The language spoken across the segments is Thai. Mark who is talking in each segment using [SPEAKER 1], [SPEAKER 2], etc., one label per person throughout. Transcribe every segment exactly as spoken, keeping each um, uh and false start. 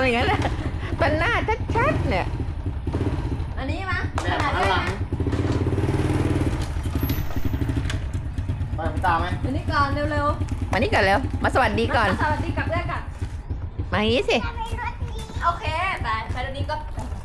[SPEAKER 1] อย่างนั้นแหละปันหน้าชัดๆเนี่ย
[SPEAKER 2] อันนี้มั้ย
[SPEAKER 3] แบบข้างหลังไปผมตามไหม
[SPEAKER 2] อันนี้ก่อนเร็ว
[SPEAKER 1] มานี่ก่อนเร็วมาสวัสดี
[SPEAKER 2] ๆ
[SPEAKER 1] ก่อน
[SPEAKER 2] สวัสดีกับเพื่อนกัน
[SPEAKER 1] มาอย่างนี้สิ
[SPEAKER 2] โอเคไปไปตอนนี้ก็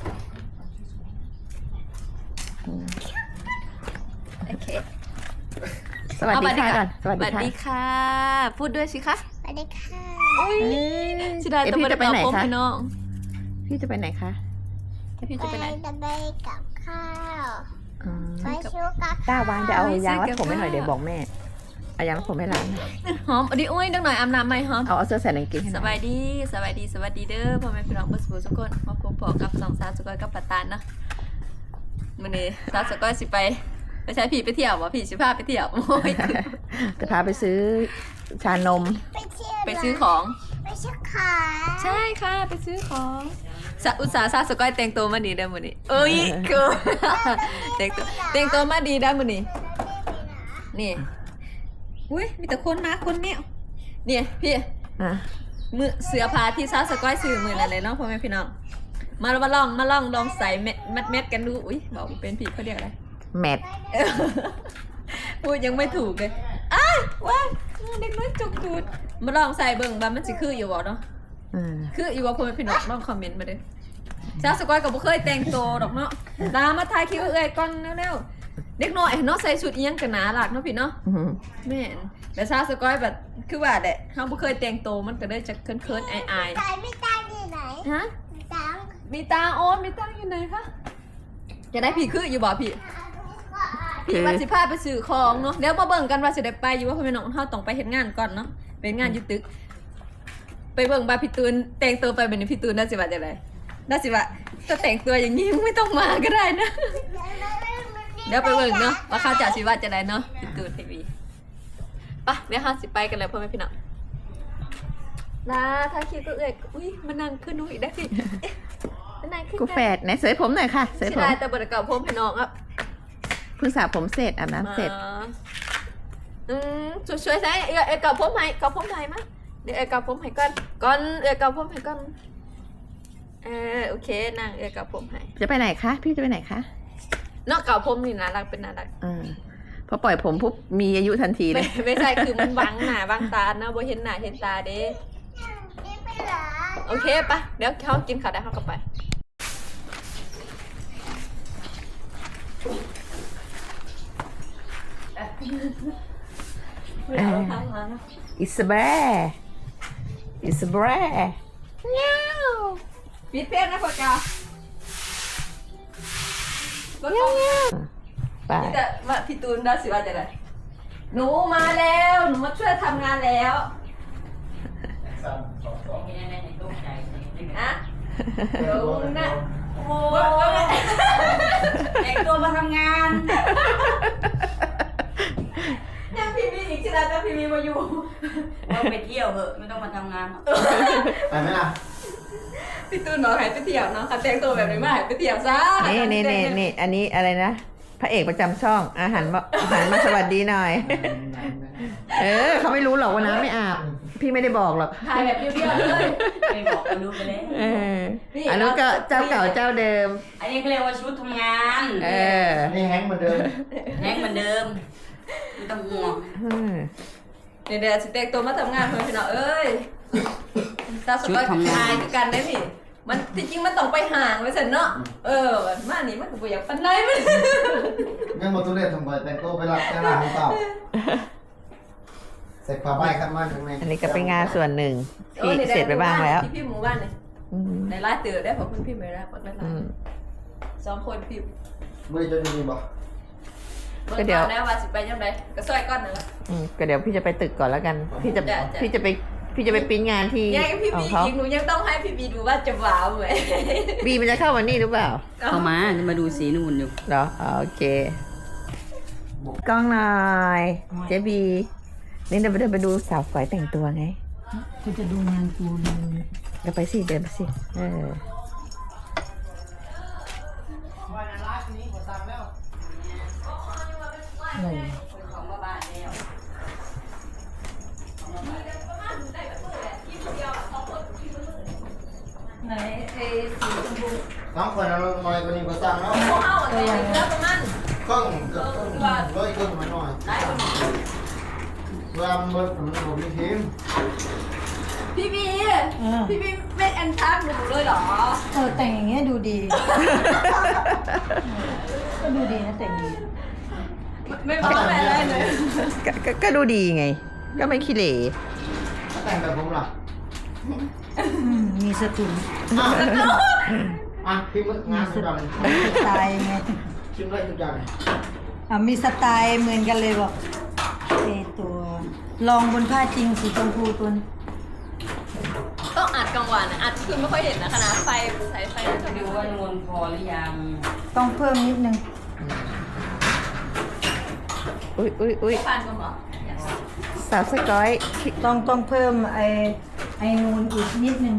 [SPEAKER 2] โอเค
[SPEAKER 1] สวัสดีค่ะก่อนสวัส
[SPEAKER 2] สวัส
[SPEAKER 1] ดี
[SPEAKER 2] ดี
[SPEAKER 1] ค่ะ
[SPEAKER 2] ค่ะพูดด้วยสิคะ
[SPEAKER 4] สวัสดีค่ะ
[SPEAKER 2] อุ้ย
[SPEAKER 1] เอ้ย
[SPEAKER 2] ชิดา
[SPEAKER 1] เอ๊ะ
[SPEAKER 2] จะ
[SPEAKER 1] พี่
[SPEAKER 2] มา
[SPEAKER 1] จะไปไหน
[SPEAKER 2] ตอบ
[SPEAKER 1] คะ
[SPEAKER 2] พี่น้อง
[SPEAKER 1] พี่จะไปไหนคะ
[SPEAKER 2] พี่จะไปไหน
[SPEAKER 4] จะไปกับข้าว
[SPEAKER 1] อืม
[SPEAKER 4] ไปชูกับ
[SPEAKER 1] ต้าวานจะเอา
[SPEAKER 2] ไปซื้อย
[SPEAKER 1] างรัดผมให้หน่อย
[SPEAKER 2] กับข้าว
[SPEAKER 1] เดี๋ยวบอกแม่เอายางรัดผมให้ร้านหน่อย
[SPEAKER 2] หอมอันนี้อุ้ยดังหน่อยอาบน้ำไหมหอม
[SPEAKER 1] เอาเอาเสื้อใส่กางเกงให้ห
[SPEAKER 2] ส
[SPEAKER 1] น่อย
[SPEAKER 2] บายดีสบายดีสวัสดีเด้อพ่อแม่พี่น้องเพื่อนสุขทุกคนมาพบปะกับสองสาวสุกอยกับปัตตานนะมื้อนี้สาวสุกอยสิไปไปใช้ผีไปเที่ยววะผีสิพาไปเที่ยวโอ้ย
[SPEAKER 1] จะพาไปซื้อชานม
[SPEAKER 4] ไปเที่ยว
[SPEAKER 2] ไปซื้อของ
[SPEAKER 4] ไปซื้อขา
[SPEAKER 2] ใช่ค่ะไปซื้อของสะอุตสาห์สาวสุกอยแต่งตัวมาดีได้อมื้อนี้เอ้ยคือ แต่งตัวแต่งตัวมาดีได้อมื้อนี้นี่อุ้ยมีแต่คนมาคนเนี้ยเนี่ยพี่
[SPEAKER 1] อ่ะ
[SPEAKER 2] มือเสือผ้าที่ซาวสก้อยซื้อมือนั่นเลยเนาะพ่อแม่พี่น้องมามาลองมาลองลองใส่เม็ดเม็ดเม็ดกันดูอุ้ยบอกเป็นผิดเขาเรียกอะไร
[SPEAKER 1] แมท
[SPEAKER 2] เออพูดยังไม่ถูกเลยอ้าวว้ายเด็กน้อยจุกจูดมาลองใส่เบิ่งว่ามันสิคืออยู่บ่เนาะ
[SPEAKER 1] อืม
[SPEAKER 2] คืออยู่ว่าพ่อแม่พี่น้องลองคอมเมนต์มาเด้อซาวสก้อยก็บ่เคยแต่งตัวดอกเนาะตามมาถ่ายคลิปเอ้ยก่อนเร็วๆเด็กน้อยเนาะใส่ชุดอีหยังกันหนาหลักเนาะพี่เนาะ
[SPEAKER 1] อืม
[SPEAKER 2] แม่นแต่ซาวสก้อยแบบคือว่าแหละเฮาบ่เคยแต่งตัวมันก็เลยจะเคินๆอาย
[SPEAKER 4] ตายไม่ตายที่ไหน
[SPEAKER 2] ๆฮะ
[SPEAKER 4] ตัง
[SPEAKER 2] มีตาโอนมีตังอยู่ไหนคะจะได้พี่คืออยู่บ่พี่พี่ว่าสิพาไปซื้อของเนาะเดี๋ยวมาเบิ่งกันว่าสิได้ไปอยู่ว่าพ่อแม่น้องเฮาต้องไปเฮ็ดงานก่อนเนาะเป็นงานอยู่ตึก ไปเบิ่งบาพี่ตูนแต่งตัวไปแบบนี้พี่ตูนน่าสิว่าจังไดน่าสิว่าถ้าแต่งตัวอย่างนี้ไม่ต้องมาก็ได้นะ เดี๋ยวไปเบิ่งเนาะว่าเขาจะสิว่าจังไดเนาะพี่ตูนทีวีไปเดี๋ยวเฮาสิไปกันเลยพ่อแม่พี่น้องลาถ้าคิดก็เอ้ยอุ้ยมานั่งขึ้นหนูอีกได้พี่เอ๊ะมานั่งขึ้น
[SPEAKER 1] กูแฝดไหนเสยผมหน่อยค่ะเสย
[SPEAKER 2] สิ
[SPEAKER 1] ผม
[SPEAKER 2] ได้แต่บ่ได้เก่าผมให้น้องอ่ะ
[SPEAKER 1] เพิ่งสระผมเสร็จอาบน้ำเสร็จ
[SPEAKER 2] อ่าอืมช่วยๆใส่เอ้ยเอ้ยเก่าผมให้เก่าผมให้มาเดี๋ยวเอ้ยเก่าผมให้ก่อนก่อนเอ้ยเก่าผมให้ก่อนเออโอเคนั่งเอ้ยเก่าผมให้
[SPEAKER 1] จะไปไหนคะพี่จะไปไหนคะ
[SPEAKER 2] เนาะเก่าผมนี่น่ารักเป็นน่ารัก
[SPEAKER 1] อ่าพอปล่อยผมปุ๊บมีอายุทันทีเล
[SPEAKER 2] ไม่
[SPEAKER 1] ย
[SPEAKER 2] ไม่ใช่คือมันบังหน้าบังตานะบ่เห็นหน้าเห็นตาเด้
[SPEAKER 4] นี่ไปเหรอ
[SPEAKER 2] โอเคปะเดี๋ยวเขากินข้าวได้เขาก็ไป
[SPEAKER 1] เออ It's a bear It's a bear
[SPEAKER 2] เงี้ยวปิดเพลงนะพ่อจ้าก็ต้อง
[SPEAKER 1] ไป
[SPEAKER 2] พี่แต่ว่าพี่ตูนได้สิว่าจะไรหนูมาแล้วหนูมาช่วยทำงานแล้วอะเดี๋ยวนะโอ้ย
[SPEAKER 5] แต่งตัวมาทำงาน
[SPEAKER 2] ยังพี่มีอีกทีละแต่พี่มีมาอยู่
[SPEAKER 5] เราไปเที่ยวเหอะไม่ต้องมาทำงานหรอก
[SPEAKER 3] ไปไหมล่ะ
[SPEAKER 2] พี่ตูนบอกให้ไปเที่ยวเนาะค่ะแต่งตัวแบบนี้มาให้ไปเที่ยวซะ
[SPEAKER 1] นี่นี่นี่นี่อันนี้อะไรนะพระเอกประจำช่องอาหารมาอาหารมาสวัสดีหน่อย เออเขาไม่รู้หรอกว่าน้ำไม่อาบ พี่ไม่ได้บอกหรอก
[SPEAKER 2] ถ่ายแบบเรียวๆเลย
[SPEAKER 5] ไม่บอกก็รู้ไปแล้ว
[SPEAKER 1] เอออันนู้นก็เจ้าเก่าเจ้าเดิม
[SPEAKER 5] อันนี้เขาเรียกว่าชุดทำงาน
[SPEAKER 1] เออ
[SPEAKER 3] นี่แฮงค์เหมือนเดิม
[SPEAKER 5] แรงเหมือนเดิมไม่ต้องห่วง
[SPEAKER 1] อืม
[SPEAKER 2] เดี๋ยวเดี๋ยวสิแต่งตัวมาทำงานเพื่อนพี่น้องเอ้ยตาสกอยทายคือกันได้พี่มันที่จริงมันต้องไปห่างไว้สิเนาะเออมานี่มันก็บ่อยากปันไรมัน
[SPEAKER 3] งั้นมาตุเรศทำไมแต่งตัวไปรับแค่หน้าของเต่าเสร็จผ้าใบขัดมันข้างใน
[SPEAKER 1] อันนี้ก็เป็นงานส่วนหนึ่งที่เสร็จไปบ้างแล้ว
[SPEAKER 2] ที่พี่หมู่บ้านเนี่ย
[SPEAKER 1] อืม
[SPEAKER 2] ในไลน์ตื่นได้ผมเพิ่งพิมพ์ไปแล้วปักได้ไล
[SPEAKER 1] อืม
[SPEAKER 2] น์สองคนพิมพ์
[SPEAKER 3] ไม่ได้จะมีบ่
[SPEAKER 2] เมื่อก่อนแล้วว่าสิไปยังไงก็ซอยก้อนนึงละ
[SPEAKER 1] อืมก็เดี๋ยวพี่จะไปตึกก่อนแล้วกัน พี่จะ
[SPEAKER 2] จ้ะจ้ะ
[SPEAKER 1] พี่จะไปพี่จะไปปริ้นงานที่
[SPEAKER 2] ยังพี่
[SPEAKER 1] ขอ
[SPEAKER 2] บี
[SPEAKER 1] งเขา
[SPEAKER 2] อีกหนูยังต้องให้พี่บีดูว่าจะว้าวไหม
[SPEAKER 1] บีมันจะเข้าวันนี้หรือเปล่า
[SPEAKER 5] เข้ามาจะมาดูสีนู่นอยู่
[SPEAKER 1] เหรออ๋อโอเคกล้องหน่อยเจบีนี่เดี๋ยวเดินไปดูสาวสวยแต่งตัวไง
[SPEAKER 5] คุณจะดูงานกูดู
[SPEAKER 1] เดี๋ยวไปสิเดินไปสิเออ
[SPEAKER 5] คนของมาบ้านแล้ว
[SPEAKER 2] ไหนสีชมพู
[SPEAKER 3] สองคนเราหน่อยกว่านี้ก็สั่งแล้ว
[SPEAKER 2] พวกเขาตัวอย่างเลือกประมาณ
[SPEAKER 3] ครึ่งเกือบครึ่งร้อยครึ่งมันหน่อย
[SPEAKER 2] ได้คน
[SPEAKER 3] เวลามันเบิดมันผมมีทีม
[SPEAKER 2] พี่บี
[SPEAKER 5] เออ
[SPEAKER 2] พี่บีไม่แอนทักหนูเลยเหรอ
[SPEAKER 5] เออแต่งอย่างเงี้ยดูดี ก็ดูดีนะแต่งดี
[SPEAKER 2] ไม่บอกอะไรเลย
[SPEAKER 1] ก็ก็ก็ดูดีไง ก็ไม่ขี้เหร่
[SPEAKER 3] ถ้าแต่งแบบผมล่ะ
[SPEAKER 5] อืมมีสกุล
[SPEAKER 3] อ่ะพิมพ์งานทุกอย่าง
[SPEAKER 5] สไตล์ไง
[SPEAKER 3] พิมพ์ได้ทุกอย่าง
[SPEAKER 5] อ่ะมีสไตล์เหมือนกันเลยบอกเอตัวลองบนผ้าจริงสีชมพูตัวนี้
[SPEAKER 2] ต้องอัดกลางวันนะอัดคือไม่ค่อยเห็นนะคณะไฟสายไฟน่าจะ
[SPEAKER 5] ดู
[SPEAKER 2] ดู
[SPEAKER 5] ว่านวลพอหรือยัง ต้องเพิ่มนิดนึง
[SPEAKER 1] อุ้ยอุ้ยอุ้ย
[SPEAKER 2] ฟันกันเหรอ
[SPEAKER 1] สาวสกอย
[SPEAKER 5] ต้องต้องเพิ่มไอไอนูนอีกนิดนึง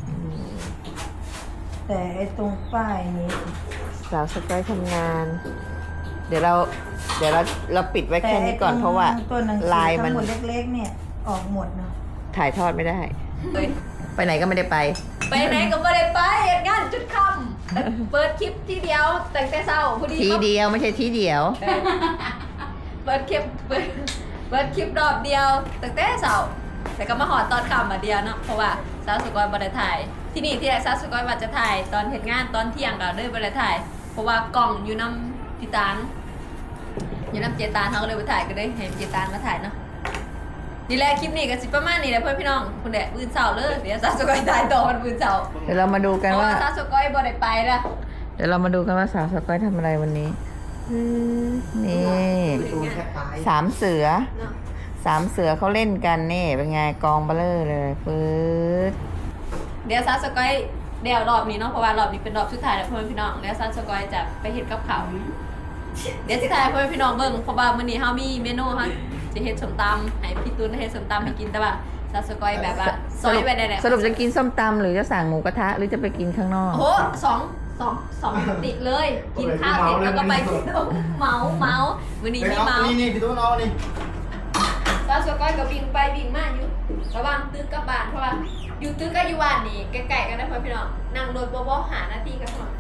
[SPEAKER 5] แต่ไอตรงป้ายนี้
[SPEAKER 1] สาวสกอยทำงาน เดี๋ยวเรา เดี๋ยวเราเราปิดไว้
[SPEAKER 5] แต่
[SPEAKER 1] แค่
[SPEAKER 5] ไอ
[SPEAKER 1] นี้
[SPEAKER 5] ต
[SPEAKER 1] ก่
[SPEAKER 5] ร
[SPEAKER 1] อน
[SPEAKER 5] ง
[SPEAKER 1] เพราะว่า
[SPEAKER 5] ตัวหนังสือ
[SPEAKER 1] ลายมั
[SPEAKER 5] ทั้
[SPEAKER 1] น
[SPEAKER 5] งหมดเล็กๆเนี่ยออกหมดเนาะ
[SPEAKER 1] ถ่ายทอดไม่ได้
[SPEAKER 2] เฮ้ย
[SPEAKER 1] ไปไหนก็ไม่ได้ไป
[SPEAKER 2] ไปไหนก็ไม่ได้ไปเหตุงานจุดค่ำเปิดคลิปทีเดียวแต่งแต่เช้าพอดี
[SPEAKER 1] ทีเดียวไม่ใช่ทีเดียว
[SPEAKER 2] เปิดคลิปเปิดเปิดคลิปรอบเดียวแต่งแต่เช้าแต่ก็มาหอดตอนค่ำมาเดียวเนาะเพราะว่าสาวสุกรบริถ่าย ที่นี่ที่ไหนสาวสุกรว่าจะถ่ายตอนเหตุงานตอนเที่ยงก็เลยบริถ่าย เพราะว่ากล่องอยู่น้ำพิตานอยู่น้ำเจตานเขาก็เลยไปถ่ายก็ได้เห็นเจตานมาถ่ายเนาะนี่แหละคลิปนี้ก็สิประมาณนี้แหละเพื่อนพี่น้องคุณแดดบืนเสาเลยเดี๋ยวสาวสุกรถ่ายต่อมันบืนเสา
[SPEAKER 1] เดี๋ยวเรามาดูกัน
[SPEAKER 2] เพราะ
[SPEAKER 1] ว่า
[SPEAKER 2] ว่าสาวสุกรบ่ได้ไปละ
[SPEAKER 1] เดี๋ยวเรามาดูกันว่าสาวสกอยทำอะไรวันนี้อืมนี่
[SPEAKER 3] ดูแค่ตาย
[SPEAKER 1] สามเสือ
[SPEAKER 2] เนาะ
[SPEAKER 1] สามเสือเขาเล่นกันนี่เป็นไงกองเบลเลอร์เลยปื๊ด
[SPEAKER 2] เดี๋ยวซาสกอยเดี๋ยวรอบนี้เนาะเพราะว่ารอบนี้เป็นรอบสุดท้ายแล้วเพื่อนพี่น้องเดี๋ยวซาสกอยจะไปเฮ็ดกับข้าวเดี๋ยวสิทายเพื่อนพี่น้องเบิ่งเพราะว่ามื้อนี้เฮามีเมนูเฮาจะเฮ็ดส้มตำให้พี่ตูนเฮ็ดส้มตำให้กินแต่ว่าซาสกอยแบบว่าซอยไว้ได้แหละ
[SPEAKER 1] สรุปจะกินส้มตำหรือจะสั่งหมูกระทะหรือจะไปกินข้างนอก
[SPEAKER 2] โอ้โหสองสองสองติดเลย กินข้าวเสร็จแล้วก็ไปกินเมาเมามื้อนี้มีเมา
[SPEAKER 3] นี่นี่พี่ตู้น้องนี่
[SPEAKER 2] ซาสกอยก็วิ่งไปวิ่งมาอยู่ระหว่างตึกกับบ้านเพราะว่าอยู่ตึกกับอยู่บ้านนี่ใกล้ๆกันนะเพื่อนพี่น้องนั่งรถบ่ๆหานาทีกันหน่อย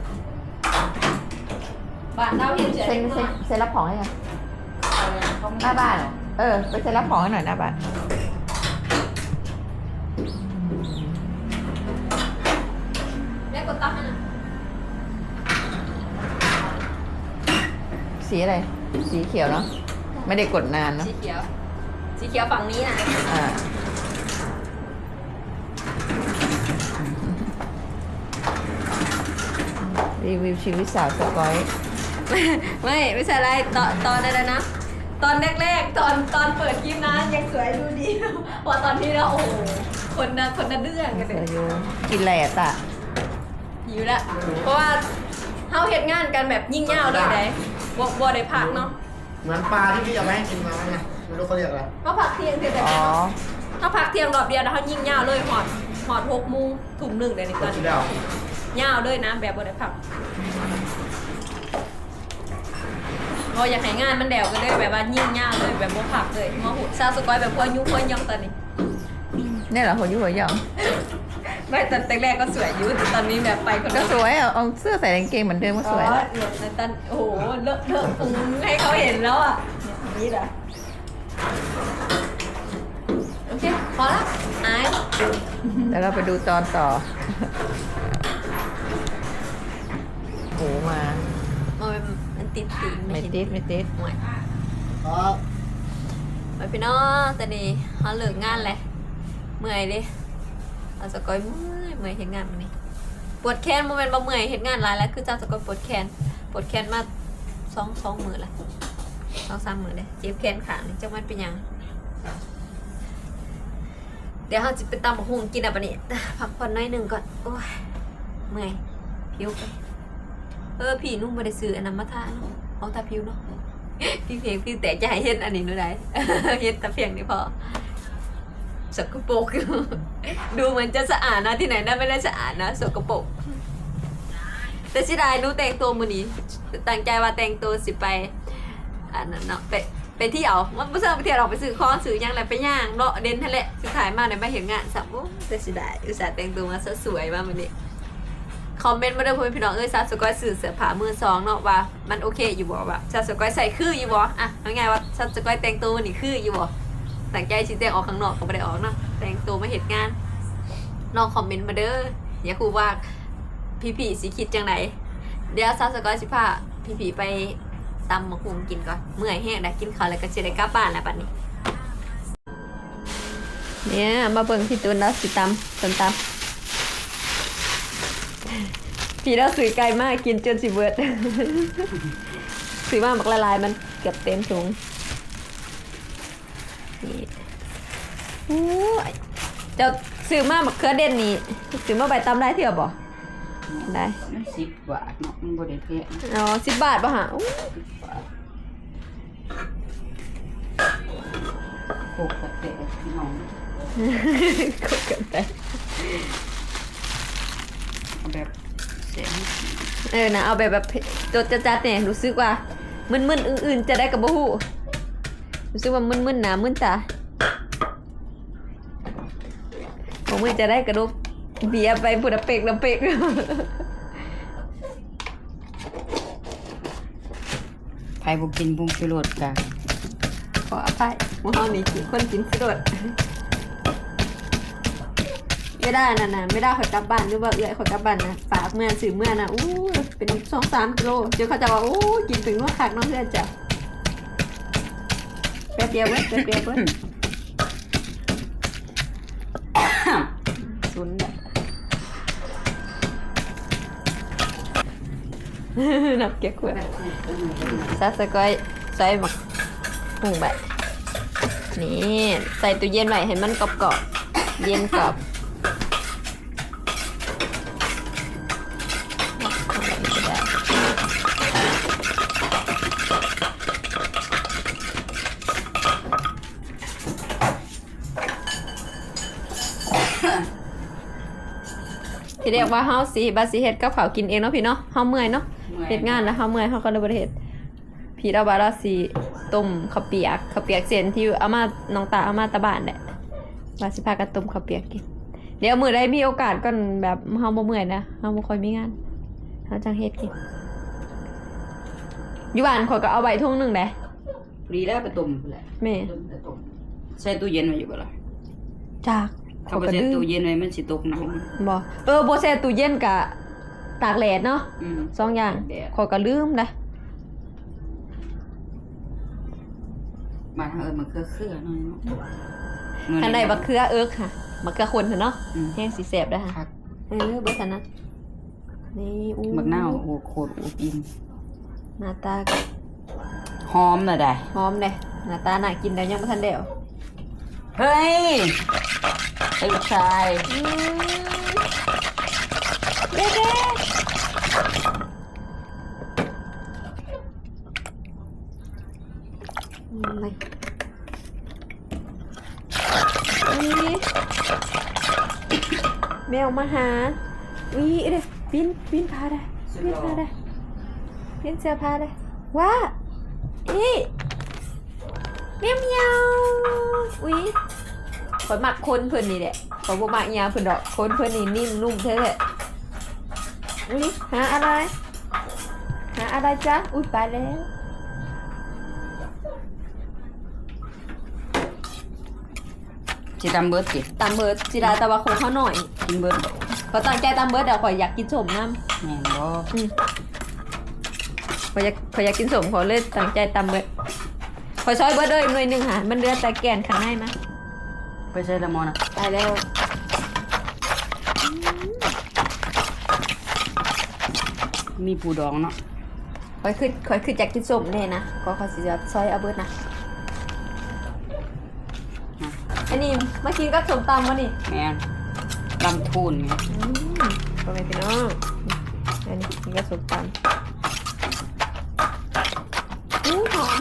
[SPEAKER 2] บ้านเราเห็นเฉย
[SPEAKER 1] เซ็นเซ็นเซ็นรับของให้ยังหน้าบ้านเหรอเออไปเซ็นรับของให้หน่อยหน้าบ้าน
[SPEAKER 2] แม่กดตั้งให้นะ
[SPEAKER 1] สีอะไร สีเขียวเนาะไม่ได้กดนานเนาะ
[SPEAKER 2] สีเขียว สีเขียวฝั่งนี้นะ
[SPEAKER 1] อ่ารีวิวชีวิตสาวสกอย
[SPEAKER 2] ไม่ไม่ใช่อะไรตอนตอนอะไรนะ ตอนแรกๆตอนตอนเปิดคลิปนะยังสวยดูดี พอตอนที่เราโอ้โหคนนะคนนะเดื้องกันเลย
[SPEAKER 1] อายุกินแหล่ตะ
[SPEAKER 2] หิวละเพราะว่าเฮาเฮ็ดงานกันแบบยิ่งยาวเลยได้บ่บ่ได้พักเนาะ
[SPEAKER 3] เหมือนปลาที่พี่เอาไปให้กินมาไงไม่รู้เขาเรียกอะไร
[SPEAKER 2] เฮาพักเที่ยงเที่ยงแต่
[SPEAKER 1] อ๋อ
[SPEAKER 2] เฮาพักเที่ยงรอบเดียวแล้วเฮายิ่งยาวเลยหอดหอดหกโมงทุ่มหนึ่งเลยในตอน
[SPEAKER 3] ที่
[SPEAKER 2] นี้
[SPEAKER 3] แล้ว
[SPEAKER 2] ยาวเลยนะแบบบ่ได้พักเราอยากให้งานมันแดวกันเลยแบบว่ายิ่งยาวเลยแบบบ่พักเลยมาหุดซาสกอยแบบพวยุพวยองตอนนี้
[SPEAKER 1] เนี่ยเหรอหัวยุ่หัวหยอง
[SPEAKER 2] ไม่ตอนแรกๆก็สวยอยู่แต่ตอนนี้แบบไปคน
[SPEAKER 1] ก็
[SPEAKER 2] ละ
[SPEAKER 1] สวยอ่ะเอาเสื้อใส่กางเกงเหมือนเดิมก็สวย
[SPEAKER 2] อ๋อ
[SPEAKER 1] แล้ว
[SPEAKER 2] เหลือในตอนโอ้โหเลอะเลอะปุงให้เขาเห็นแล้วอ่ะเนี่ยนี่แหละโอเคพอละอาย
[SPEAKER 1] แล้วเราไปดูตอนต่อโหมา
[SPEAKER 2] มันมันติดตีน
[SPEAKER 1] ไม่
[SPEAKER 2] เห็น
[SPEAKER 1] ติดไม่ติด
[SPEAKER 2] ห่วย
[SPEAKER 3] ครับ
[SPEAKER 2] ไปพี่น้องแต่นี่เขาเลิกงานเลยเมื่อยเลยเอาสกอยเมื่อยเมื่อยเห็นงานมันนี่ปวดแขนโมเมนต์บ่เมื่อยเห็นงานหลายแล้วคือเจ้าสกอยปวดแขนปวดแขนมาสองสองมือละสองสามมือเลยเจ็บแขนขานี่จังมันเป็นหยัง เดี๋ยวเราจะไปตำบักหุ่งกินอ่ะปะนี่พักผ่อนน้อยหนึ่งก่อนโอ้ยเมื่อยผิวไปเออพี่นุ่มมาได้ซื้ออันนั้นมาทาเนาะเอาตาผิวเนาะพี่เพียงพี่แต่จะให้เห็นอันนี้หนูได้ เห็นแต่เพียงนี่พอสกปรก ดูเหมือนจะสะอาดนะที่ไหนน่าไม่ได้สะอาดนะสกปรกแต่สิได้หนูแต่งตัวมื้อนี้ตั้งใจว่าแต่งตัวสิไปอันนั้นเนาะไปไปเที่ยวมันไม่ใช่ไปเที่ยวเราไปซื้อของซื้อหยังอะไรไปย่างเลาะเด่นทะเลสุดท้ายมาในมาเห็นงานสับโอ้แต่สิได้อุตส่าห์แต่งตัวมาซะสวยมากมื้อนี้คอมเมนต์มาเด้อพ่อแม่พี่น้องเอ้ยซาสก้อยสื่อเสื้อผ้ามือสองเนาะว่ามันโอเคอยู่บ่ว่าซาสก้อยใส่คืออยู่บ่อ่ะเอาง่ายว่าซาสก้อยแต่งตัวนี่คืออยู่บ่ตั้งใจสิแต่งออกข้างนอกก็บ่ได้ออกเนาะแต่งตัวมาเฮ็ดงานลองคอมเมนต์มาเด้ออย่าคูว่าพี่ๆสิคิดจังไดเดี๋ยวซาสก้อยสิพาพี่ๆไปตำมะฮุงกินก่อนเมื่อยแห้งได้กินข้าวแล้วก็สิได้กลับบ้านแล้วบัดนี้เนี่ยมาเบิ่งพี่ตูนแล้วสิตำต้นตำพี่เราซื้อไก่มากกินจนสิเบิด ซื้อมาบักละลายมันเกือบเต็มถุงนี่โอ้ยเจ้าซื้อมาบักเขือเด่นนี่ซื้อมาใบตำได้เท่าบ่ได้
[SPEAKER 6] มันสิบบาทเนาะมันบ่ได้แพง
[SPEAKER 2] อ๋อสิบบาทป่ะฮะอู้
[SPEAKER 6] โคกกระเตะน้อง
[SPEAKER 2] ก็เกินไป
[SPEAKER 6] เอาแบบเสียง
[SPEAKER 2] เออนะเอาแบบแบบจดจัดๆเนี่ยรู้สึกว่ามึนๆอื่นๆจะได้กับบ่ฮู้รู้สึกว่ามึนๆหนามึนตาผมมึนจะได้กระดูกเบียร์ไปพุดะเปกละเปก
[SPEAKER 6] ไผบ่กินบุ้งชูรสกะ
[SPEAKER 2] ขออภัยหมู่เฮานี่คือคนกินสดไม่ได้นะนะไม่ได้ขอยกลับบ้านหรือว่าเอื้อยขอยกลับบ้านนะฝากเมื่อสื่อเมื่อนะอู้เป็นสองสามกิโลเดี๋ยวเขาจะว่าอู้กินถึงว่าขาดน้องเพื่อนจ้ะแป๊บเดียวเว้ยแป๊บเดียวเว้ยศูนย์แบบนับเก็บขวดซาสก้อยใส่หมักหุงแบบนี่ใส่ตู้เย็นไว้ให้มันกรอบๆเย็นกรอบที่เรียกว่าเฮาสิบาสิเฮ็ดกับข้าวกินเองเนาะพี่เนาะเฮาเมื่อยเนาะเฮ็ดงานแล้วเฮาเมื่อยเฮาก็เลยบ่ได้เฮ็ดพี่เราว่าเราสิต้มข้าวเปียกข้าวเปียกเส้นที่เอามาน้องตาเอามาตะบ้านแหละว่าสิพากันต้มข้าวเปียกกินเดี๋ยวมื้อใดมีโอกาสก่อนแบบเฮาบ่เมื่อยนะเฮาบ่ค่อยมีงานเฮาจังเฮ็ดกินอยู่บ้านข่อยก็เอาไว้ทุ่งนึงแหละ
[SPEAKER 6] พอดีแล้วไปต้มแหละ
[SPEAKER 2] แม่
[SPEAKER 6] ต้มแต่ต้มใส่ตู้เย็นไว้อยู่บ่ล่ะ
[SPEAKER 2] จาก
[SPEAKER 6] ถ้าบ่ใส่ตู้เย็นไว้มันสิตกน้ำ
[SPEAKER 2] บ่เออบ่แช่ตู้เย็นกะตากแดดเนาะ
[SPEAKER 6] อืม
[SPEAKER 2] สองอย่าง
[SPEAKER 6] แดด
[SPEAKER 2] ข่อยก็ลืมนะ
[SPEAKER 6] บ้านเฮาเอิ้นมะเขือเขือหน่อยเนาะ
[SPEAKER 2] อันใดบักเขือเอิกค่ะบักเขือคนเนาะ
[SPEAKER 6] อืม
[SPEAKER 2] แห้งสิแซ่บเด้อค่ะ
[SPEAKER 6] ผัก
[SPEAKER 2] เออเบ่ทันนะนี่อู้
[SPEAKER 6] บักนาวโอ้โคตรอบอิ่ม
[SPEAKER 2] หน้าตาก็
[SPEAKER 6] หอมน่ะได้
[SPEAKER 2] หอมเด้หน้าตาน่ากินแล้วยังบ่ทันได้เอา
[SPEAKER 6] เฮ้ยไอ้ลูกชาย
[SPEAKER 2] อืมเด้ๆอืมไม่นี่แมวมาหาวิเด้ปีนปีนพาได้ปีนพาได้ปีนเสื้อผ้าได้ว้าอีเมียวเมียวอุ้ยข่อยมักคนเพิ่นนี่แหละข่อยบ่มักอีหยังเพิ่นดอกคนเพิ่นนี่นิ่มนุ่มแท้ๆอุ้ยหาอะไรหาอะไรจ๊ะอุ้ยไปแล้ว
[SPEAKER 6] สิตำเบิดสิ
[SPEAKER 2] ตามเบิร์ดจิราตะวาคงเขาหน่อย
[SPEAKER 6] กินเบิด
[SPEAKER 2] เขาตั้งใจตามเบิร์ดเดี๋ยวข่อยอยากกินสมน้
[SPEAKER 6] แม่นบ่
[SPEAKER 2] ำอืมข่อยอยากข่อยอยากกินสมขอเลยตั้งใจตามเบิร์ดข่อยซอยเบิร์ดเลยหน่วยหนึ่งค่ะมันเดือแต่แกนข้างในมา
[SPEAKER 6] ไปใส่ละมอนะ
[SPEAKER 2] ตายแล้ว
[SPEAKER 6] มีปูดองเนาะ
[SPEAKER 2] ข่อยคือข่อยคืออยากกินสมแน่นะก็ข่อยสิจะซอยเอาเบิร์ดนะอันนี้มากินกับสมตำวะนี่
[SPEAKER 6] แม่นลำทูนไง
[SPEAKER 2] อืมพ่อแม่พี่น้องอันนี้กินกับสมตำอู้หอม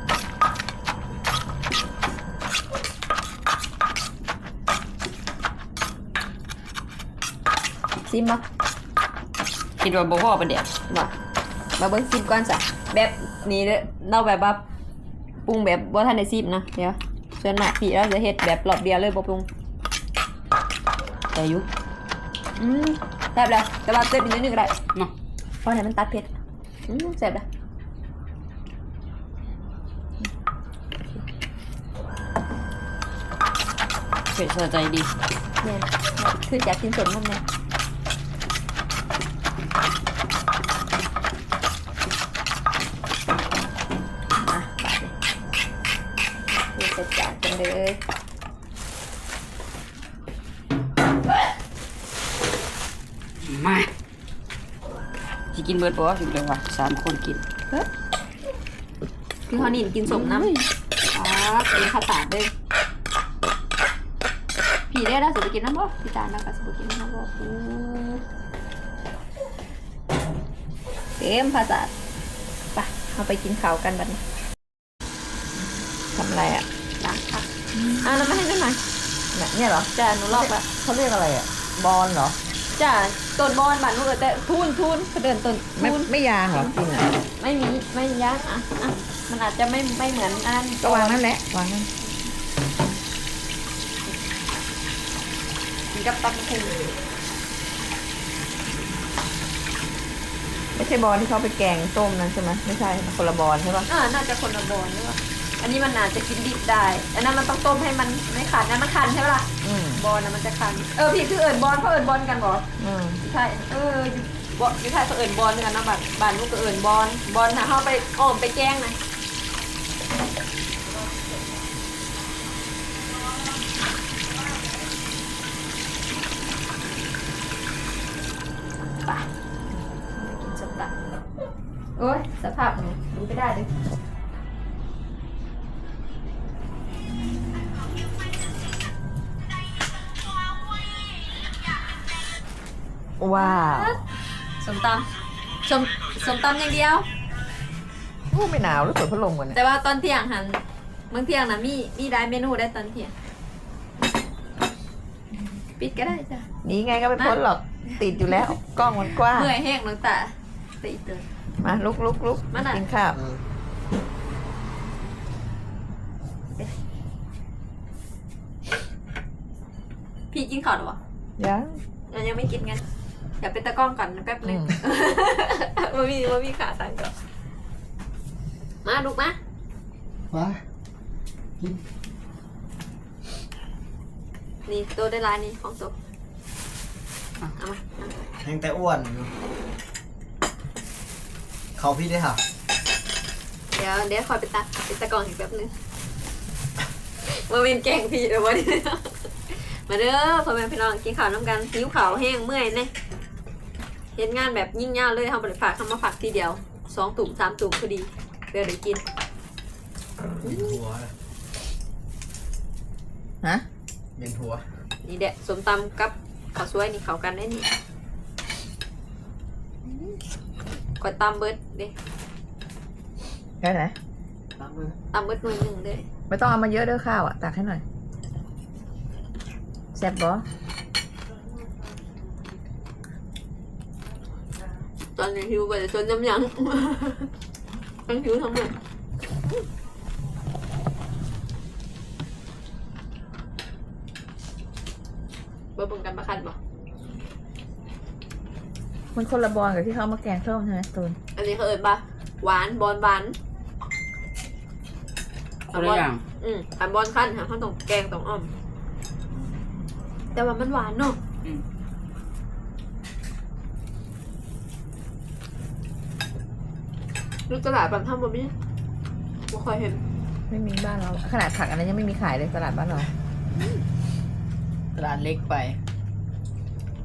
[SPEAKER 2] ซิมบ่
[SPEAKER 6] คิดว่าบ่พอปานเดียว
[SPEAKER 2] บ่มาเบิ่งซิมก่อนจ้ะแบบนี้เด้อเราแบบว่าปรุงแบบบ่ทันได้ซิมนะเดี๋ยวส่วนมากพี่เราจะเฮ็ดแบบรอบเดียวเลยบ่ปรุง
[SPEAKER 6] แต่อยู่
[SPEAKER 2] อืมตซ่บเลยแต่ว่าเจ็บอีกนิดนึงก็ได้
[SPEAKER 6] เนาะ
[SPEAKER 2] เพราะไหนมันตัดเผ็ดอืมแซ่บเลย
[SPEAKER 6] เผ็ดสะใจดี
[SPEAKER 2] เนี่ยคืออยากกินสดมันเนี่ยมาบาดเลยคือจัดจานกันเลย
[SPEAKER 6] มาสิกินเบิร์ดบอสอยู่เลยว่ะสามคนกิน
[SPEAKER 2] คือเขาหนินกินสมน้ำครับเป็นข้าวตาดเลยผีได้แล้วสุดไปกินน้ำบ่พี่จานแล้วก็สุดไปกินน้ำบ่อู้เต็มภาษาไปเอาไปกินข้าวกันบัดนี้
[SPEAKER 1] ทำอะไรอ่ะ
[SPEAKER 2] ล้างผักอ่ะแล้วมาให้ด้วยหน่อย
[SPEAKER 1] เนี่ยเนี่ยเหรอ
[SPEAKER 2] จ้าหนูลอกละ
[SPEAKER 1] เขาเรียกอะไรอ่ะ บอลเหรอ
[SPEAKER 2] จ้าต้นบอนบ้านหนูเออแต่ทุนทุนเขาเดินต้น
[SPEAKER 1] ไม่
[SPEAKER 2] ทุน
[SPEAKER 1] ไม่ยางเหรอกินอ่ะ
[SPEAKER 2] ไม่มีไม่ยากอ่ะอ่ะมันอาจจะไม่ไม่เหมือนอัน
[SPEAKER 1] ก็วางนั่นแหละวางนั่น
[SPEAKER 2] กินกับตำพุง
[SPEAKER 1] ไม่ใช่บอลที่เขาไปแกงต้มนั่นใช่ไหมไม่ใช่คนละบอลใช่ปะ
[SPEAKER 2] อ่าน่าจะคนละบอนหรือเปล่าอันนี้มันอาจจะกินดิบได้อันนั้นมันต้องต้มให้มันไม่ขันนะมันขันใช่ไหมล่ะ
[SPEAKER 1] อืม
[SPEAKER 2] บอลนะมันจะคัน เออพี่คือเอิญบอลเขาเอิญบอลกันเหรอ
[SPEAKER 1] อืม
[SPEAKER 2] ใช่เอออยู่บอยู่ไทยเขาเอิญบอลกันนะบ้านบ้านลูกก็เอิญบอลบอลถ้าเขาไปอ้อมไปแกล้งนะไปกินสตาร์โอ้ยสภาพหนูดูไม่ได้เลย
[SPEAKER 1] ว้าว
[SPEAKER 2] สมตำสมสมตำอย่างเดียว
[SPEAKER 1] โอ้ไม่หนาวหรือเปิดพัดลมกันเนี่ย
[SPEAKER 2] แต่ว่าตอนเที่ยงหันบางเที่ยงนะมีมีได้เมนูได้ตอนเที่ยงปิดก็ได้จ้ะ
[SPEAKER 1] หนีไงก็ไม่พ้นหรอกติดอยู่แล้ว กล้องมันกว้าง
[SPEAKER 2] เมื่อยแห้งน้องตาตีเตือน
[SPEAKER 1] มาลุกลุกลุก
[SPEAKER 2] มาน่ะ
[SPEAKER 1] กินข้าว
[SPEAKER 2] พี่กินข้าวหรอวะ
[SPEAKER 1] ยัง
[SPEAKER 2] ยังยังไม่กินงั้นอย่าเป็นตะกล้องก่อนนะแป๊บนึง
[SPEAKER 1] อืม
[SPEAKER 2] มามีมามีขาสั่นก่อนมาลูกมา
[SPEAKER 3] มากิน
[SPEAKER 2] นี่ตัวได้ลายนี่ของตัวเอามา
[SPEAKER 3] แห้งแต่อ้วนอยู่เขาพี่ได้ค่ะ
[SPEAKER 2] เดี๋ยวเดี๋ยวคอยไปตัดเป็นตะกล้องอีกแป๊บนึงมาเป็นแกงพี่เดี๋ยววันนี้ มาเด้อพ่อแม่พี่น้องกินข้าวน้ำกันหิวข้าวแห้งเมื่อยเนี่ยเห็นงานแบบยิ่งยาวเลยทำบริฝากทำมาฝากทีเดียวสองตุ่มสามตุ่มพอดีเดี๋ยวเดี๋ยวกิน
[SPEAKER 3] เย็นหัว
[SPEAKER 1] ฮะ
[SPEAKER 3] เย็นหัว
[SPEAKER 2] นี่แดะสมตำกับข้าวสวยนี่เข้ากันได้นี่กดตำเบิร์ดเด้
[SPEAKER 1] ได้ไหน
[SPEAKER 3] ตามมือ
[SPEAKER 2] ตำเบิร์ดหน่วยหนึ่งเด้
[SPEAKER 1] ไม่ต้องเอามาเยอะเด้อข้าวอ่ะตักให้หน่อยแซ่บบอ
[SPEAKER 2] ตอนนี้หิวไปจนน้ำยังทั้งหิวทั้งเมื่อยเบิ่งกันมาคันบ่
[SPEAKER 1] มันคนละบอลกับที่เขาเอามาแกงส้มใช่ไหมตูน
[SPEAKER 2] อันนี้เขาเอิญปะหวานบอลหวาน
[SPEAKER 6] คนละอย่าง
[SPEAKER 2] อืมอันบอลขั้นค่ะเขาต้องแกงต้องอ้อม แต่ว่ามันหวานเนาะ
[SPEAKER 6] อืม
[SPEAKER 2] ลูกตลาดแบบทำแบบนี้ไม่ค่อยเห็น
[SPEAKER 1] ไม่มีบ้านเราขนาดผักอันนั้นยังไม่มีขายเลยตลาดบ้านเรา
[SPEAKER 6] ตลาดเล็กไป
[SPEAKER 3] มา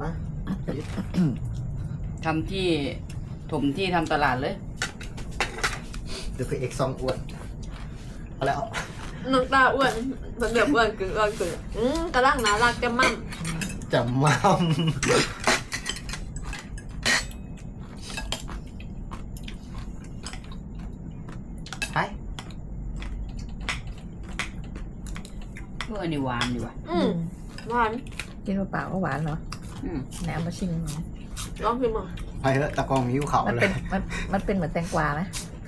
[SPEAKER 6] ทำที่ถมที่ทำตลาดเลย
[SPEAKER 3] เดี๋ยวคือเอกซองอ้วนเอาแล้ว
[SPEAKER 2] น้องตาอ้วนมันแบบอ้วนกึ่งอ้วนกึ่งอืมกระลังน่ารักจะมั่ม
[SPEAKER 3] จะมั่มไป
[SPEAKER 6] เมื่อนี่หวานดีว่ะ
[SPEAKER 2] อืมหวาน
[SPEAKER 1] กินเปล่าๆก็หวานเหรอ
[SPEAKER 6] อืม
[SPEAKER 1] ไหนเอามาชิมหน่อย
[SPEAKER 2] ลองชิมมั้ง
[SPEAKER 3] ไปเถอะตะกองหิวเขา
[SPEAKER 1] มัน
[SPEAKER 3] เล
[SPEAKER 1] เป็น
[SPEAKER 3] ย
[SPEAKER 1] มันมันเป็นเหมือนแตงกวาไหม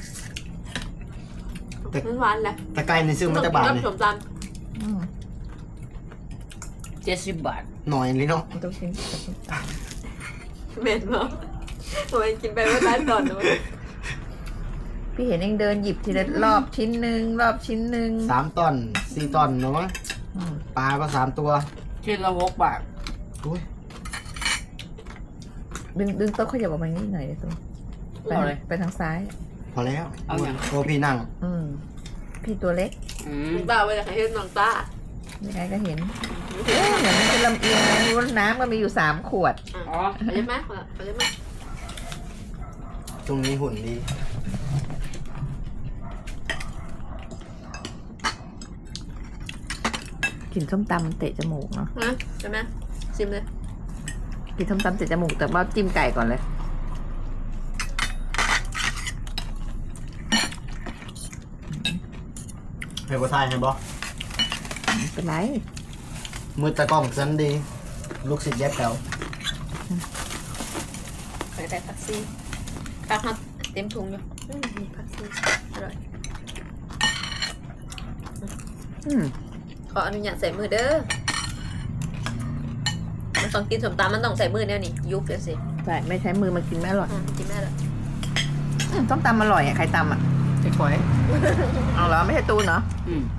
[SPEAKER 2] มันหวานแหละ
[SPEAKER 3] ตะไคร้ในซึ่งมันจะบาด
[SPEAKER 2] ต้
[SPEAKER 3] เล
[SPEAKER 2] อง
[SPEAKER 3] ย
[SPEAKER 2] กินกับ
[SPEAKER 1] อืม
[SPEAKER 6] เจ็ดสิบบาท
[SPEAKER 3] หน่อยเลยเนาะ
[SPEAKER 1] มันต้องชิม
[SPEAKER 2] เม็ดเนาะทำไมกินไปไม่ได้ตอนนู้น
[SPEAKER 1] พี่เห็นเองเดินหยิบทีละรอบชิ้นหนึ่งรอบชิ้นหนึ่ง
[SPEAKER 3] สามตอนสี่ตอนเนาะ
[SPEAKER 1] อืม
[SPEAKER 3] ปลาก็สามตัว
[SPEAKER 6] ชิ้นละหกบาท
[SPEAKER 3] อุ้ย
[SPEAKER 1] ดึงดึงโต๊ะขยับออกมานิดหน่อยเดี๋ยวตัวไป
[SPEAKER 6] เอาเลย
[SPEAKER 1] ไปทางซ้าย
[SPEAKER 3] พอแล้ว
[SPEAKER 6] เอาอย่าง
[SPEAKER 3] โอ้พี่นั่ง
[SPEAKER 1] อืมพี่ตัวเล็ก
[SPEAKER 6] อืม
[SPEAKER 2] ตาไปจากเฮ็ดน้องตา
[SPEAKER 1] ยังไงก็เห็นเอ๊ะเหมือนมันจะลำเอียงนะรู้ว่าน้ำก็มีอยู่สามขวด
[SPEAKER 6] อ๋อ
[SPEAKER 2] ไปได้ไหมไปได้ไหม
[SPEAKER 3] ตรงนี้หุ่นดี
[SPEAKER 1] กินส้มตำเตะจมูกเนาะ
[SPEAKER 2] ฮะใช่ไหมชิมเลย
[SPEAKER 1] กินส้มตำเตะจมูกแต่ว่าจิ้มไก่ก่อนเลย
[SPEAKER 3] ให้บัวทายให้บอ
[SPEAKER 1] ไม่เป็นไร
[SPEAKER 3] มือตะกล้องสันดี ลูกศิษย์แยกแถว
[SPEAKER 2] ไปได้ผักซีผักฮอตเต็มถุงอยู่อืมมีผักซีอร่อย
[SPEAKER 1] อืม
[SPEAKER 2] ขออนุญาตใส่มือเด้อมันต้องกินสมตำมันต้องใส่มือเนี่ยนี่ยุบเดี๋ยวสิ
[SPEAKER 1] ใช่ไม่ใช้มือมากินไม่อร่อย
[SPEAKER 2] อืมกินได้แล้ว
[SPEAKER 1] อืมส้มตำอร่อยอ่ะใครตำอ่ะ
[SPEAKER 6] ไอ้ฝอย
[SPEAKER 1] เอาเหรอไม่ใช่ตูนเนาะ
[SPEAKER 6] อืม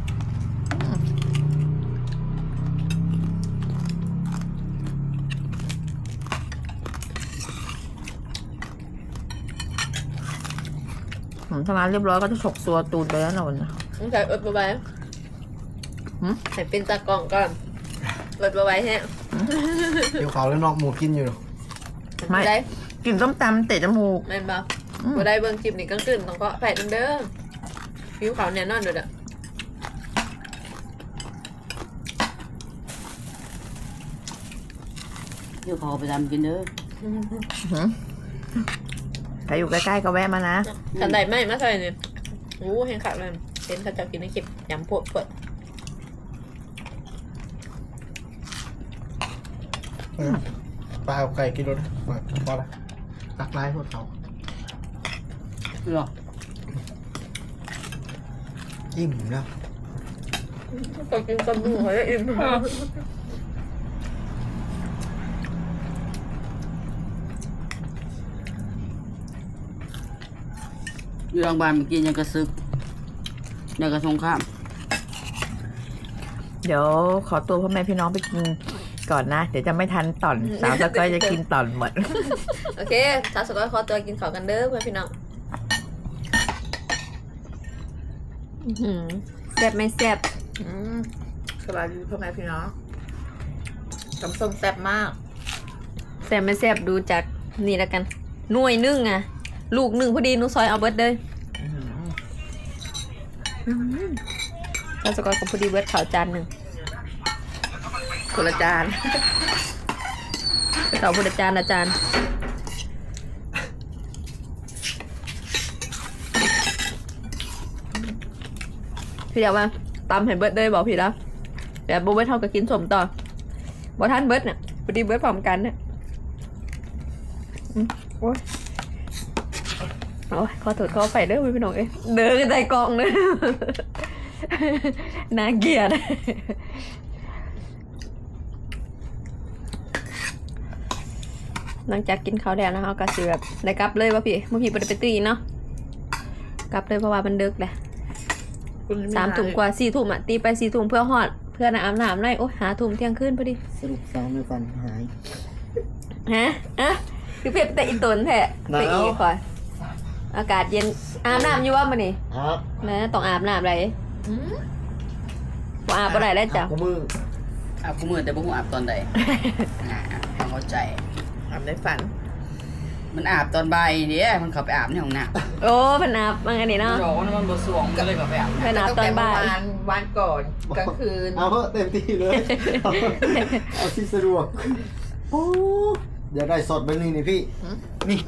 [SPEAKER 1] ผมทำงานเรียบร้อยก็จะฉกตัวตูนไปแล้วนะวันนี้
[SPEAKER 2] ต้องใส่เอิดไว้
[SPEAKER 1] หืม
[SPEAKER 2] ใส่เป็นตากล่องก่อนเอิดไว้แฮะ
[SPEAKER 3] เดี๋ยวเขาแล้วนอกหมูกินอยู่
[SPEAKER 1] ไม่
[SPEAKER 2] ได้
[SPEAKER 1] กินส้มตำเตะจมูก
[SPEAKER 2] แม่นบ่
[SPEAKER 1] อืม
[SPEAKER 2] บ่ได้เบิ่งคลิปนี่กลางคืนต้องก็แผดเด้อผิวขาวแน่นอนเด้อ
[SPEAKER 6] เดี๋ยวเขาเอาไปทำกินเด้อ
[SPEAKER 1] หืมใครอยู่ใกล้ๆก็แวะมานะ
[SPEAKER 2] ขันใดไม่มาใส่นี่โอ้เห็นขาดเลยเห็นเขาจะกินในคลิปยำพวกเปิด
[SPEAKER 3] ปลาเอาไก่กินรถเปิดพอละตักไล่พวกเขา
[SPEAKER 6] หรอ
[SPEAKER 3] อิ่มแล้ว
[SPEAKER 2] ก็กินกับมือเขาจะอิ่ม
[SPEAKER 6] อยู่โรงพยาบาลเมื่อกี้ยังกระซึกยังกระสงข้าม
[SPEAKER 1] เดี๋ยวขอตัวพ่อแม่พี่น้องไปกินก่อนนะ เดี๋ยวจะไม่ทันต่อนสาวสก้อยจะกินต่อนหมด
[SPEAKER 2] โอเคชาวสกอยขอตัวกินข้าวกันเด้อเพื่อนพี่น้องอื้อหือแซ่บไม่แซ่บ
[SPEAKER 1] อืมสบายดีพ่อแม่พี่น้องตำส้มแซ่บมาก
[SPEAKER 2] แซ่บไม่แซ่บดูจากนี่แล้วกันหน่วยหนึ่งอะลูกหนึ่งพอดีหนูซอยเอาเบิร์ดเลยชาวสกอยกับพอดีเบิร์ดข้าวจานหนึ่ง
[SPEAKER 1] คนละจาน
[SPEAKER 2] ไปต่อพุทธจารย์อาจารย์พี่เดี๋ยวมาตำให้เบิร์ดเลยบอกพี่แล้วแต่โบเบิร์ดเท่ากับกินสมต่อบ่ท่านเบิร์ดเนี่ยพอดีเบิร์ดพร้อมกันเนี่ยอืมโอ้ยโอ้ยขอโทษขอไปเด้อพี่น้องเอ้ยเดินกันใจกองเลย น่าเกลียด หลังจากกินข้าวแล้วนะคะก็สิแบบได้กลับเลยว่าพี่เมื่อพี่ไปไปตีเนาะกลับเลยเพราะว่ามันดึกแหละสามทุ่มกว่าสี่ทุ่มอ่ะตีไปสี่ทุ่มเพื่อหอดเพื่อนอาบน้ำได้โอ้หาทุ่มเที่ยงคืนพอดี
[SPEAKER 3] สรุปสาวไม่ฟันหาย
[SPEAKER 2] ฮะอ่ะคือเพียบแต่อีตนแท้ไปอีกก่อนอากาศเย็นอาบน้ำอยู่ว่ามันนี่
[SPEAKER 3] ครับ
[SPEAKER 2] นะต้องอาบน้ำอะไรว่าอาบอะไรแล้วจ้ะ
[SPEAKER 3] กูมือ
[SPEAKER 6] อาบกูมือแต่บ่ฮู้อาบตอนใด อ่าต้องเข้าใจ
[SPEAKER 1] ทำในฝัน
[SPEAKER 6] มันอาบตอนบ่ายเด้มันเข้าไปอาบในห้องน้ำ
[SPEAKER 2] โอ้เพนอาบมันอันนี้
[SPEAKER 6] มัน
[SPEAKER 2] เนาะ
[SPEAKER 6] บอกว่ามันบ่สวงก็เลยเข้าไปอาบ
[SPEAKER 2] เพนอาบตอนบ่าย
[SPEAKER 1] วันวันก่อนกลางคืน
[SPEAKER 3] เอาเถอะเต็มที่เลย เอาเอาที่สะดวกโอ้เดี๋ยวได้สดไปหนึ่งนี่พี่
[SPEAKER 1] หืม
[SPEAKER 3] นี่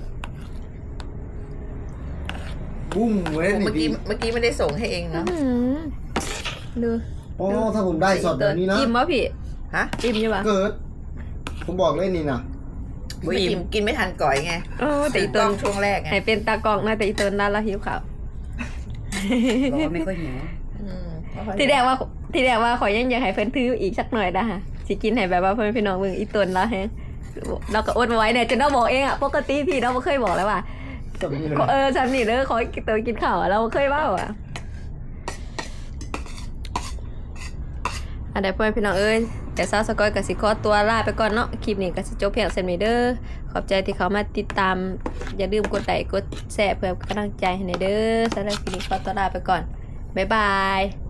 [SPEAKER 3] บุ้มเว้ย
[SPEAKER 1] เมื่
[SPEAKER 3] นี่
[SPEAKER 1] อกี้
[SPEAKER 3] พี่
[SPEAKER 1] เมื่อกี้ไม่ได้ส่งให้เองเนาะ
[SPEAKER 2] อื้อหือดู
[SPEAKER 3] โอ้ถ้าผมได้สดแบบนี้นะ
[SPEAKER 2] อิ่มวะพี่
[SPEAKER 1] ฮะ
[SPEAKER 2] อิ่มอยู่ปะ
[SPEAKER 3] เกิด ผมบอกเลยนี่นะ
[SPEAKER 1] ไม่อิ่มกินไม่ทันก่อยไง
[SPEAKER 2] โอ้แต่อี
[SPEAKER 1] ก
[SPEAKER 2] เติ
[SPEAKER 1] ล้อน งช่วงแรกไง
[SPEAKER 2] ให้เป็นตากล้องนะแต่อีเตินนั่นละหิวข้าว
[SPEAKER 6] บอกว่าไม่ค่อยหิว
[SPEAKER 1] อืม
[SPEAKER 2] ที่แรกว่าที่แรกว่าขอยยังอยากให้เพิ่นถืออีกสักหน่อยนะฮะสิกินให้แบบว่าเพิ่นพี่น้องเบิ่งอีเตินละแฮะเราก็อดมาไว้เนี่ยจนเราบอกเองอ่ะปกติพี่เราไม่เคยบอกแล้วว่า
[SPEAKER 3] สำนีเลย
[SPEAKER 2] เออฉันนี่เด้อขอตัวกินข้าวอะเราเคยเบ้าอ่ะอันใดพ่อแม่พี่น้องเอ้ยแต่ซาวสกอยกับสิขอตัวลาไปก่อนเนาะคลิปนี้ก็สิจบเพียงเซนนี้เด้อขอบใจที่เขามาติดตามอย่าลืมกดไลค์กดแชร์เพื่อกำลังใจให้ในเด้อสำหรับคลิปนี้ขอตัวลาไปก่อนบ๊ายบาย